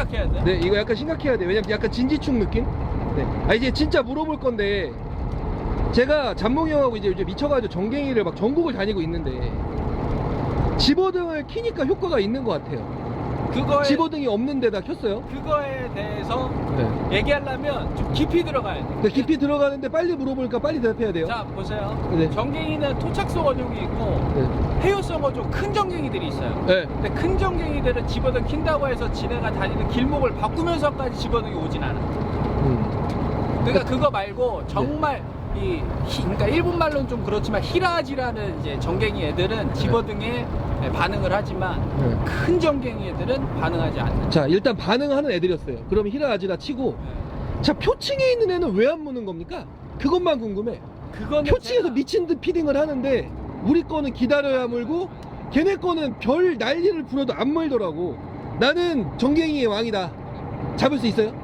심각해야 돼? 네, 이거 약간 심각해야 돼. 왜냐면 약간 진지충 느낌? 네. 아, 이제 진짜 물어볼 건데, 제가 잠몽이 형하고 이제 미쳐가지고 전갱이를 막 전국을 다니고 있는데, 집어등을 키니까 효과가 있는 것 같아요. 그거에, 집어등이 없는 데다 켰어요. 그거에 대해서 네. 얘기하려면 좀 깊이 들어가야 돼. 근데 깊이 들어가는데 빨리 물어보니까 빨리 대답해야 돼요. 자, 보세요. 네. 전갱이는 토착성 어종이 있고 네. 해유성 어종 큰 전갱이들이 있어요. 네. 근데 큰 전갱이들은 집어등 킨다고 해서 지네가 다니는 길목을 바꾸면서까지 집어등이 오진 않아. 그러니까 그거 말고 정말 그러니까 일본 말로는 좀 그렇지만 히라지라는 이제 전갱이 애들은 집어등에 반응을 하지만 네. 큰 전갱이 애들은 반응하지 않는. 자, 일단 반응하는 애들이었어요. 그럼 히라아지라 치고, 자, 표층에 있는 애는 왜 안 무는 겁니까? 그것만 궁금해. 그거는 표층에서 제가- 미친 듯 피딩을 하는데, 우리 거는 기다려야 물고, 걔네 거는 별 난리를 부려도 안 물더라고. 나는 전갱이의 왕이다. 잡을 수 있어요?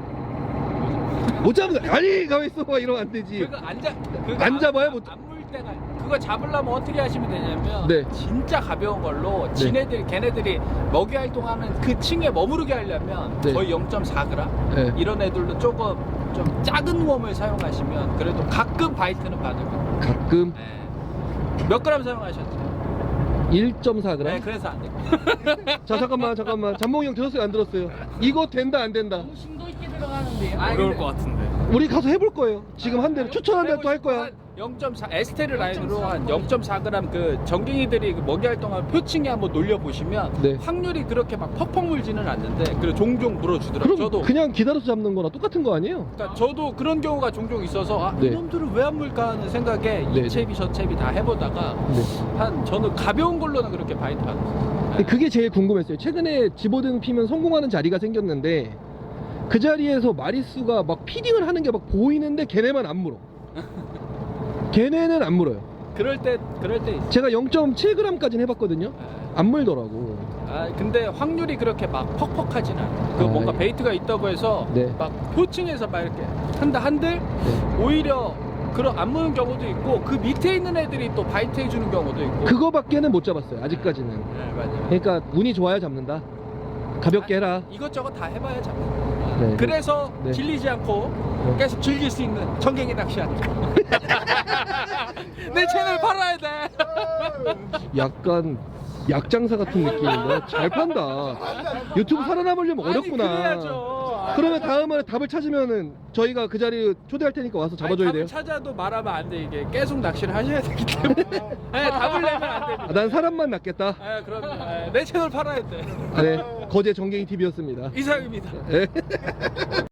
못 잡는 거 아니, 가만있어 봐. 이러면 안 되지. 그거 그거 안 잡아요? 못- 안물 때가 그거 잡으려면 어떻게 하시면 되냐면 네. 진짜 가벼운 걸로 네. 걔네들이 먹이 활동하는 그 층에 머무르게 하려면 네. 거의 0.4g 네. 이런 애들도 조금 좀 작은 웜을 사용하시면 그래도 가끔 바이트는 받으면 가끔 몇 그램 사용하셨죠? 1.4g. 네, 그래서 안 돼요. 자, 잠깐만. 잠몽이 형 들었어요? 안 들었어요? 이거 된다, 안 된다? 심도 있게 들어가는데 어려울 것 같은데. 우리 가서 해볼 거예요. 지금 한 대로 추천한 대로 또 할 거야. 0.4 에스테르 라인으로 한 0.4g 그 전갱이들이 그 먹이 활동하는 표층에 한번 놀려 보시면 네. 확률이 그렇게 막 퍽퍽 물지는 않는데 그리고 종종 물어주더라고요. 그럼 저도 그냥 기다려서 잡는 거나 똑같은 거 아니에요? 그러니까 저도 그런 경우가 종종 있어서 아, 네. 이놈들은 왜 안 물까 하는 생각에 네. 이 챕이 저 챕이 다 해보다가 네. 저는 가벼운 걸로는 그렇게 바이트 받았어요. 근데 그게 제일 궁금했어요. 최근에 집어등 피면 성공하는 자리가 생겼는데 그 자리에서 마리수가 막 피딩을 하는 게 막 보이는데 걔네만 안 물어. 걔네는 안 물어요. 그럴 때 있어요. 제가 0.7g까지는 해봤거든요. 안 물더라고. 아 근데 확률이 그렇게 막 퍽퍽하진 않아요. 그 아, 뭔가 예. 베이트가 있다고 해서 네. 막 표층에서 막 이렇게 한들 네. 오히려 그런 안 무는 경우도 있고 그 밑에 있는 애들이 또 바이트 해주는 경우도 있고. 그거밖에는 못 잡았어요. 아직까지는. 네, 맞아요. 그러니까 운이 좋아야 잡는다. 가볍게 해라. 이것저것 다 해봐야 잡는 거예요. 네. 그래서 네. 질리지 않고 계속 즐길 수 있는 전갱이 낚시하는 거. 내 채널 팔아야 돼. 약간 약장사 같은 느낌인데 잘 판다. 유튜브 살아남으려면 어렵구나. 아니, 그래야죠. 그러면 다음에 답을 찾으면은 저희가 그 자리 초대할 테니까 와서 잡아줘야 아니, 돼요. 답을 찾아도 말하면 안 돼. 이게 계속 낚시를 하셔야 되기 때문에. 네, 답을 내면 안 됩니다. 아, 난 사람만 낚겠다. 네, 그럼요. 네, 내 채널 팔아야 돼. 네, 거제 정갱이 TV였습니다. 이상입니다. 네.